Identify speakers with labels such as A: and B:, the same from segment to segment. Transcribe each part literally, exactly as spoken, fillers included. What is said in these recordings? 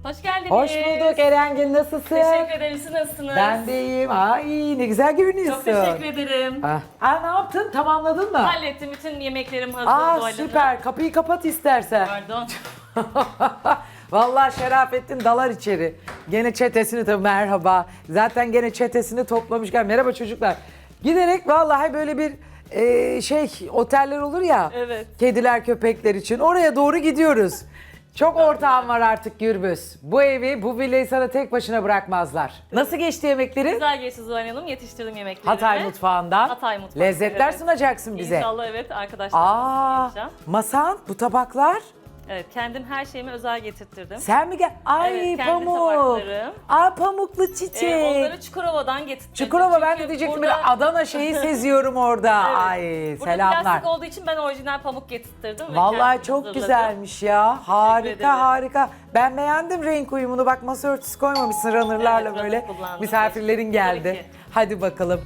A: Hoş geldiniz.
B: Hoş bulduk Erengin, nasılsın?
A: Teşekkür ederim. Siz nasılsınız?
B: Ben de iyiyim. Ay ne güzel görünüyorsun.
A: Çok teşekkür ederim.
B: Ah. Aa, ne yaptın? Tamamladın mı?
A: Hallettim. Bütün yemeklerim hazır.
B: Aa
A: doğayla.
B: süper. Kapıyı kapat istersen.
A: Pardon.
B: Vallahi Şerafettin dalar içeri. Gene çetesini tabii merhaba. Zaten gene çetesini toplamışken merhaba çocuklar. Giderek vallahi böyle bir e, şey oteller olur ya.
A: Evet.
B: Kediler köpekler için oraya doğru gidiyoruz. Çok ortağım var artık Gürbüz. Bu evi, bu villayı sana tek başına bırakmazlar. Nasıl geçti yemekleri?
A: Güzel geçti Zuhal Hanım. Yetiştirdim yemeklerimi.
B: Hatay mutfağından.
A: Hatay mutfağı.
B: Lezzetler
A: Evet.
B: sunacaksın bize.
A: İnşallah evet arkadaşlarım
B: Aa,
A: yapacağım.
B: masan, bu tabaklar.
A: Evet kendim her şeyimi özel getirttirdim.
B: Sen mi gel? Ay
A: Evet, kendi
B: pamuk.
A: tabaklarım.
B: Aa pamuklu çiçek.
A: Ee, onları Çukurova'dan getirttirdim.
B: Çukurova ben de
A: Çünkü
B: diyecektim
A: burada-
B: bir Adana şeyi seziyorum orada.
A: Evet.
B: Ay
A: Burada
B: selamlar.
A: plastik olduğu için ben orijinal pamuk getirttirdim. ve
B: Vallahi
A: kendim
B: çok
A: hazırladım.
B: güzelmiş ya. Harika
A: ederim.
B: harika. Ben beğendim renk uyumunu. Bak masa örtüsü koymamışsın runner'larla
A: Evet,
B: böyle.
A: runner kullandım.
B: Misafirlerin geldi.
A: Tabii ki.
B: Hadi bakalım.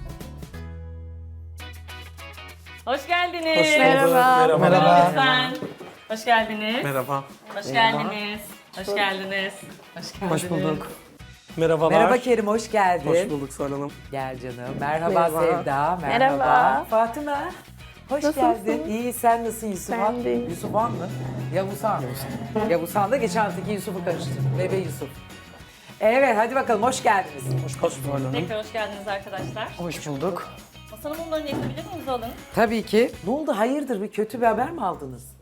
A: Hoş geldiniz.
C: Hoş bulduk.
B: Merhaba.
C: Merhaba.
A: Lütfen. Hoş geldiniz.
C: Merhaba.
A: Hoş geldiniz. Hoş geldiniz. Hoş geldiniz.
C: Hoş bulduk. Merhabalar.
B: Merhaba Kerim, hoş geldin.
C: Hoş bulduk Zuhal Hanım.
B: Gel canım. Merhaba,
D: Merhaba.
B: Sevda. Merhaba.
D: Merhaba.
B: Fatıma. Hoş
D: Nasılsın?
B: geldin. İyi, sen nasılsın Yusuf Han?
D: Ben de iyiyim.
B: Yusuf Han mı? Yavuz Han. Yavuz Han da geçen haftaki Yusuf'u karıştırdım. Bebe Yusuf. Evet, hadi bakalım. Hoş geldiniz.
C: Hoş bulduk Zuhal Hanım.
A: Tekrar hoş geldiniz arkadaşlar.
B: Hoş bulduk.
A: Masanın bunları yapabilir miyiz alın?
B: Tabii ki. Ne oldu? Hayırdır? Bir kötü bir haber mi aldınız?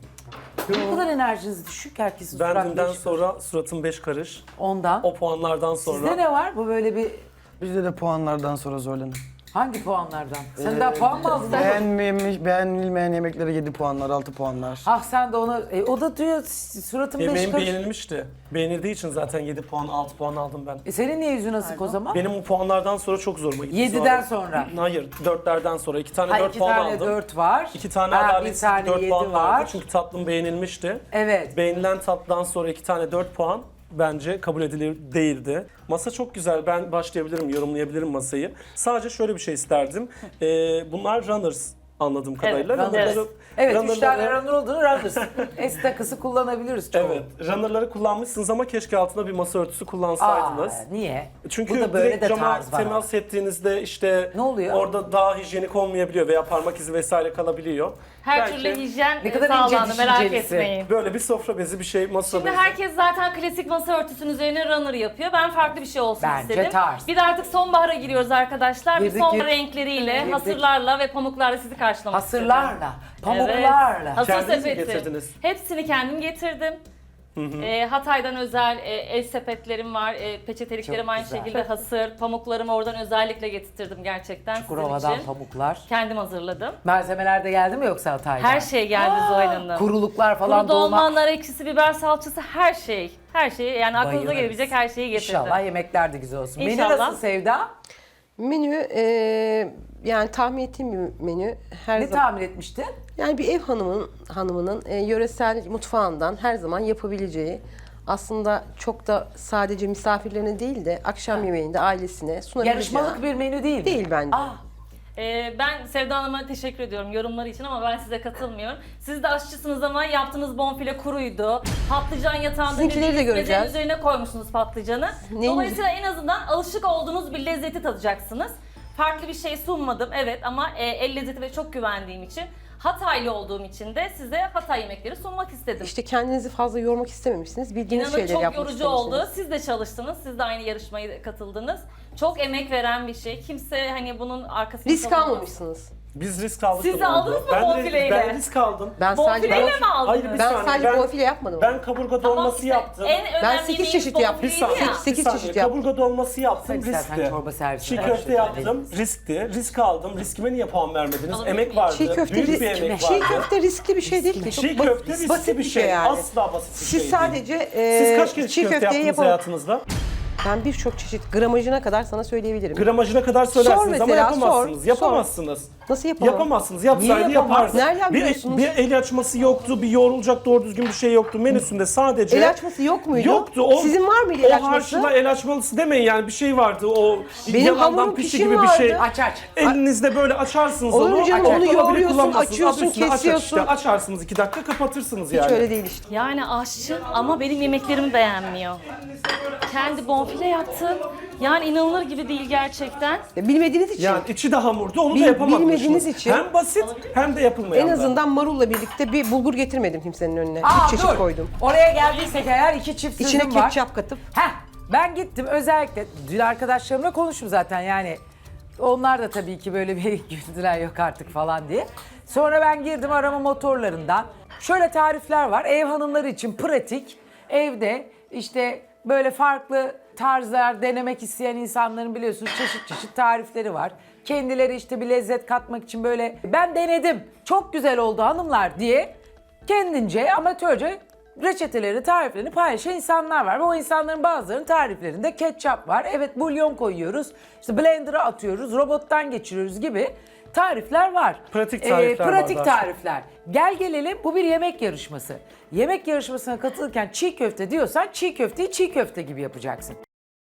B: Ne kadar enerjiniz düşük herkesin
C: Ben
B: suratı
C: dünden
B: düşük.
C: sonra suratım beş karış.
B: Ondan.
C: O puanlardan sonra.
B: Sizde ne var? Bu böyle bir
E: Bizde de puanlardan sonra zorlanın.
B: hangi puanlardan? Sen daha puan mı aldın?
E: Beğenmemiş, beğenilmeyen yemeklere yedi puanlar, altı puanlar.
B: Ah sen de ona, e, o da diyor suratım beş
C: Yemeğim
B: karış.
C: beğenilmişti. Beğenildiği için zaten yedi puan, altı puan aldım ben.
B: E senin niye yüzün asık o zaman?
C: Benim o puanlardan sonra çok zoruma gitti.
B: Yediden
C: Zuhal Hanım.
B: sonra.
C: Hayır, dörtlerden sonra. iki tane
B: Ha,
C: dört
B: iki
C: puan
B: tane
C: aldım.
B: dört var.
C: İki tane
B: Ha, bir
C: adaletsiz
B: tane
C: dört
B: yedi
C: puan
B: var.
C: vardı. Çünkü tatlım beğenilmişti.
B: Evet.
C: Beğenilen tatlıdan sonra iki tane dört puan bence kabul edilir değildi. Masa çok güzel. Ben başlayabilirim, yorumlayabilirim masayı. Sadece şöyle bir şey isterdim. Ee, bunlar runners anladığım kadarıyla.
B: runners.
C: Runner'ları-
B: Evet, üç
C: runner'ları-
B: tane runner olduğunu runners. S takısı kullanabiliriz çoğu.
C: Evet, runner'ları kullanmışsınız ama keşke altına bir masa örtüsü kullansaydınız.
B: Aa, niye?
C: Çünkü
B: Burada böyle
C: direkt
B: de
C: cama
B: tarz var.
C: temas ettiğinizde işte
B: Ne oluyor?
C: orada daha hijyenik olmayabiliyor veya parmak izi vesaire kalabiliyor.
A: Her
C: Belki
A: türlü hijyen
B: Ne
A: e,
B: kadar ince
A: sağlandı merak
B: düşüncelisin.
A: etmeyin.
C: böyle bir sofra bezi bir şey masa
A: Şimdi
C: bezi.
A: herkes zaten klasik masa örtüsünün üzerine runner yapıyor. Ben farklı bir şey olsun
B: Bence
A: istedim.
B: tarz.
A: Bir de artık sonbahara giriyoruz arkadaşlar.
B: Girdik,
A: bir sonbahar
B: girdik.
A: renkleriyle,
B: Girdik.
A: hasırlarla ve pamuklarla sizi karşılamak istedim.
B: Hasırlarla, pamuklarla.
A: Evet. Hasır
C: Kendiniz mi
A: sepeti.
C: getirdiniz?
A: Hepsini kendim getirdim. Ee, Hatay'dan özel e, el sepetlerim var, e, peçeteliklerim
B: Çok
A: aynı
B: güzel.
A: şekilde hasır, pamuklarımı oradan özellikle getirttirdim gerçekten sizin
B: Çukurova'dan
A: için.
B: pamuklar.
A: Kendim hazırladım.
B: Malzemeler de geldi mi yoksa Hatay'dan?
A: Her şey geldi Zuhal Hanım.
B: Kuruluklar falan
A: Kuru
B: dolma.
A: dolma, nar ekşisi, biber salçası her şey. Her şeyi yani aklınıza
B: Bayılırız.
A: gelebilecek her şeyi getirdim.
B: İnşallah yemekler de güzel olsun. Menü
A: İnşallah.
B: nasıl Sevda?
D: Menü e, yani tahmin ettiğim bir menü. Her
B: Ne
D: zaman
B: tahmin etmiştin?
D: yani bir ev hanımının hanımının e, yöresel mutfağından her zaman yapabileceği, aslında çok da sadece misafirlerine değil de akşam yemeğinde ailesine sunabileceği.
B: Yarışmalık bir menü değil mi?
D: Değil bence.
B: Ah,
A: Ee, ben Sevda Hanım'a teşekkür ediyorum yorumları için ama ben size katılmıyorum. Siz de aşçısınız ama yaptığınız bonfile kuruydu. Patlıcan yatağında
D: Sizinkileri de
A: dediğiniz
D: göreceğiz.
A: mezenin üzerine koymuşsunuz patlıcanı.
D: Neyiniz-
A: Dolayısıyla en azından alışık olduğunuz bir lezzeti tadacaksınız. Farklı bir şey sunmadım evet ama e, el lezzeti ve çok güvendiğim için Hataylı olduğum için de size Hatay yemekleri sunmak istedim.
D: İşte kendinizi fazla yormak istememişsiniz. Bildiğiniz
A: İnanın
D: şeyleri
A: çok
D: yapmak
A: yorucu
D: istemişsiniz.
A: oldu. Siz de çalıştınız. Siz de aynı yarışmaya katıldınız. Çok emek veren bir şey. Kimse hani bunun arkasını
D: Risk
A: savunmaz.
D: almamışsınız.
C: Biz risk aldık.
A: Siz
C: da
A: de
C: bu arada.
A: aldınız mı
C: ben, de-
A: bonfileyle?
C: Ben risk aldım.
D: Ben sadece
A: Bonfileyle mi aldınız?
C: Hayır, bir
D: ben
C: saniye,
D: sadece
C: ben-
D: bonfile yapmadım.
C: Ben kaburga
A: Tamam
C: dolması
A: işte,
C: yaptım.
A: En önemli
D: Ben sekiz
A: yemeğiniz
D: çeşit yaptım.
C: Bir
A: bonfileydi
C: saniye,
A: ya.
C: bir
D: sekiz
C: saniye.
D: çeşit yaptım.
C: Kaburga dolması yaptım,
B: Hadi sen
C: riskti.
B: çorba servisi
C: Çiğ
B: ver.
C: köfte yaptım, riskti. Risk aldım. Riskime niye puan vermediniz?
A: Alabilir
C: Emek
A: miyim?
C: vardı.
D: Çiğ köfte
C: Büyük
D: risk
C: bir emek
D: mi?
C: vardı.
D: Çiğ köfte riskli bir şey değil ki. Çok
C: Çiğ
D: ba-
C: köfte riskli
D: basit
C: bir şey.
D: yani.
C: Asla basit bir
D: Siz
C: şey değil.
D: sadece e,
C: Siz kaç kere çiğ
D: çiğ
C: köfte
D: köfteyi
C: yaptınız
D: yapın.
C: hayatınızda?
D: Ben birçok çeşit gramajına kadar sana söyleyebilirim.
C: Gramajına kadar söylersiniz ama
D: mesela,
C: yapamazsınız.
D: sor,
C: Yapamazsınız.
D: Nasıl yapamam?
C: Yapamazsınız. Yapsaydı
B: Niye yapamaz?
C: yapardı.
D: Nereden
C: Bir,
D: biliyorsunuz?
C: bir el açması yoktu, bir yoğrulacak doğru düzgün bir şey yoktu. Menüsünde sadece...
D: El açması yok muydu?
C: Yoktu. O,
D: Sizin var mıydı el
C: O
D: açması?
C: harçla el açmalısı demeyin yani bir şey vardı. O
D: Benim
C: yalandan
D: hamurum
C: pişi
D: pişim
C: gibi bir şey.
D: vardı.
B: Aç aç.
C: Elinizde böyle açarsınız
D: Olur
C: onu.
D: canım,
C: Açar,
D: onu
C: dolabı
D: yoğuruyorsun,
C: kullanmazsınız.
D: açıyorsun,
C: Adı üstünde aç aç
D: kesiyorsun.
C: işte. Açarsınız iki dakika kapatırsınız yani.
D: Hiç öyle değil işte.
A: Yani aşçı ama benim yemeklerimi beğenmiyor. Kendi bonfile yaptı. Yani inanılır gibi değil gerçekten.
D: Bilmediğiniz için.
C: Yani içi de hamurdu onu
D: Bil-
C: da yapamadınız.
D: bilmediğiniz için-
C: Hem basit hem de yapılmayan
D: En
C: da.
D: azından marulla birlikte bir bulgur getirmedim kimsenin önüne.
B: Aa,
D: Üç çeşit
B: dur.
D: koydum.
B: Oraya geldiysek eğer iki çift
D: İçine
B: sözüm var.
D: ketçap katıp.
B: Heh, ben gittim özellikle dün arkadaşlarımla konuştum zaten yani. Onlar da tabii ki böyle bir güldüler yok artık falan diye. Sonra ben girdim arama motorlarından. Şöyle tarifler var. Ev hanımları için pratik. Evde işte böyle farklı tarzlar denemek isteyen insanların biliyorsunuz çeşit çeşit tarifleri var. Kendileri işte bir lezzet katmak için böyle ben denedim çok güzel oldu hanımlar diye kendince amatörce reçeteleri, tariflerini paylaşan insanlar var. Ve o insanların bazılarının tariflerinde ketçap var. Evet bulyon koyuyoruz, işte blender'a atıyoruz, robottan geçiriyoruz gibi tarifler var. Ee,
C: Pratik tarifler var
B: Pratik
C: daha çok.
B: tarifler. Gel gelelim bu bir yemek yarışması. Yemek yarışmasına katılırken çiğ köfte diyorsan çiğ köfteyi çiğ köfte gibi yapacaksın.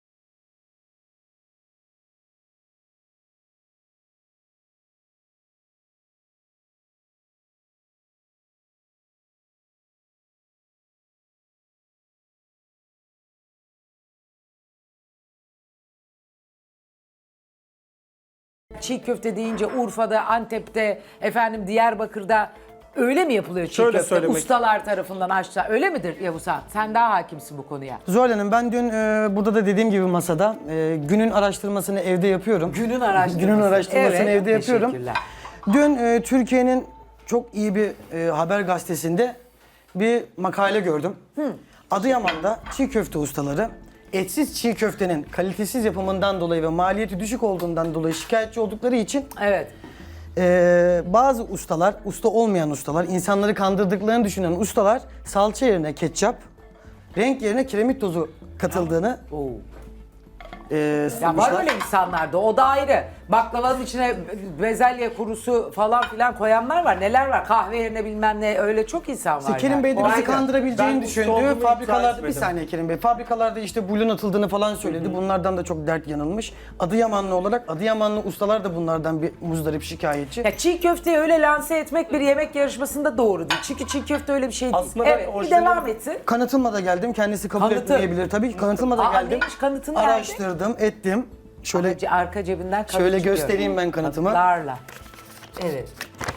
B: Çiğ köfte deyince Urfa'da, Antep'te, efendim Diyarbakır'da öyle mi yapılıyor çiğ
C: Şöyle
B: köfte?
C: söylemek-
B: Ustalar tarafından aşağı. Öyle midir Yavuzhan? Sen daha hakimsin bu konuya.
E: Zuhal Hanım ben dün e, burada da dediğim gibi masada e, günün araştırmasını evde yapıyorum.
B: Günün araştırması.
E: Günün araştırmasını
B: Evet,
E: evde yapıyorum.
B: teşekkürler.
E: Dün e, Türkiye'nin çok iyi bir e, haber gazetesinde bir makale gördüm. Adıyaman'da çiğ köfte ustaları etsiz çiğ köftenin kalitesiz yapımından dolayı ve maliyeti düşük olduğundan dolayı şikayetçi oldukları için
B: Evet.
E: Ee, bazı ustalar, usta olmayan ustalar, insanları kandırdıklarını düşünen ustalar salça yerine ketçap, renk yerine kiremit tozu katıldığını
B: Oo.
E: e,
B: Ya var
E: sunmuşlar.
B: öyle insanlar da o da ayrı. Baklavanın içine bezelye kurusu falan filan koyanlar var. Neler var? Kahve yerine bilmem ne öyle çok insan var.
E: İşte Kerim
B: yani.
E: Bey de
B: O
E: bizi
B: ayrı.
E: kandırabileceğini
C: Ben usta olduğumu
E: düşündü.
C: iddia
E: Fabrikalarda bir
C: etmedim.
E: saniye Kerim Bey. Fabrikalarda işte bulyon atıldığını falan söyledi. Bunlardan da çok dert yanılmış. Adıyamanlı olarak Adıyamanlı ustalar da bunlardan bir muzdarip şikayetçi.
B: Ya çiğ köfteyi öyle lanse etmek bir yemek yarışmasında doğru değil. Çünkü çiğ köfte öyle bir şey değil.
C: Aslında ben
B: Evet, bir
C: orijinal-
B: devam etsin.
E: Kanıtılmada geldim. Kendisi kabul
B: Kanıtı.
E: etmeyebilir tabii ki. Kanıtılmada
B: Aa,
E: geldim.
B: neymiş kanıtı nerede?
E: Araştırdım, ettim. Şöyle
B: Arka, arka cebinden kanıt
E: şöyle
B: çıkıyor.
E: göstereyim ben kanıtımı.
B: Kanıtlarla. Evet.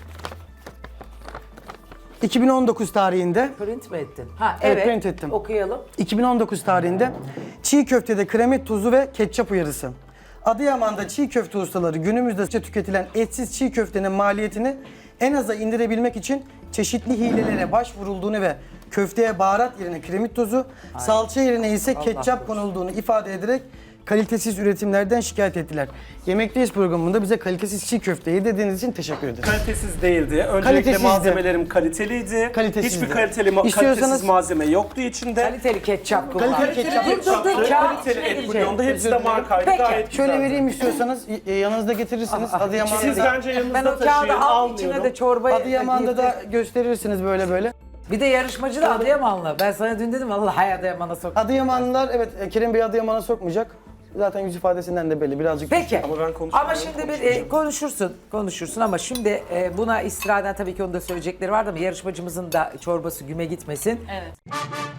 E: iki bin on dokuz tarihinde
B: Print mi ettin? Ha
E: Evet,
B: evet.
E: print ettim.
B: Okuyalım.
E: iki bin on dokuz tarihinde çiğ köftede kremit tuzu ve ketçap uyarısı. Adıyaman'da çiğ köfte ustaları günümüzde tüketilen etsiz çiğ köftenin maliyetini en aza indirebilmek için çeşitli hilelere başvurulduğunu ve köfteye baharat yerine kremit tozu, salça yerine ise ketçap konulduğunu ifade ederek kalitesiz üretimlerden şikayet ettiler. Yemekteyiz programında bize kalitesiz çiğ köfte yedirdiğiniz için teşekkür ederim.
C: Kalitesiz değildi. Öncelikle
E: Kalitesizdi.
C: malzemelerim kaliteliydi.
E: Kalitesizdi.
C: Hiçbir kaliteli ma-
E: İstiyorsanız-
C: kalitesiz malzeme yoktu içinde.
B: Kaliteli ketçap kullan.
E: Kaliteli ketçap.
B: Dur dur dur.
C: Kaliteli
B: Kağıt
C: kaliteli
B: içine
C: et
B: girecek.
C: bulyonda hepsi de
E: Özür dilerim.
C: markaydı.
B: Peki,
C: Gayet
E: Şöyle
C: güzeldi.
E: vereyim istiyorsanız e, yanınızda getirirsiniz.
B: Aa,
E: Adıyaman'da
C: Siz
E: da,
C: bence yanınızda
B: Ben o
C: taşıyın,
B: kağıdı al içine
C: almıyorum.
B: de çorbayı.
E: Adıyaman'da da gösterirsiniz böyle böyle.
B: Bir de yarışmacı da Adıyamanlı. Ben sana dün dedim vallahi Adıyaman'a sok.
E: Adıyamanlılar evet e, Kerim Bey Adıyaman'a sokmayacak. Zaten yüz ifadesinden de belli birazcık.
B: Peki.
C: Ama ben konuşmuyorum,
B: Ama şimdi bir
C: konuşmayacağım.
B: e, konuşursun, konuşursun ama şimdi e, buna istinaden tabii ki onun da söyleyecekleri vardı ama yarışmacımızın da çorbası güme gitmesin.
A: Evet.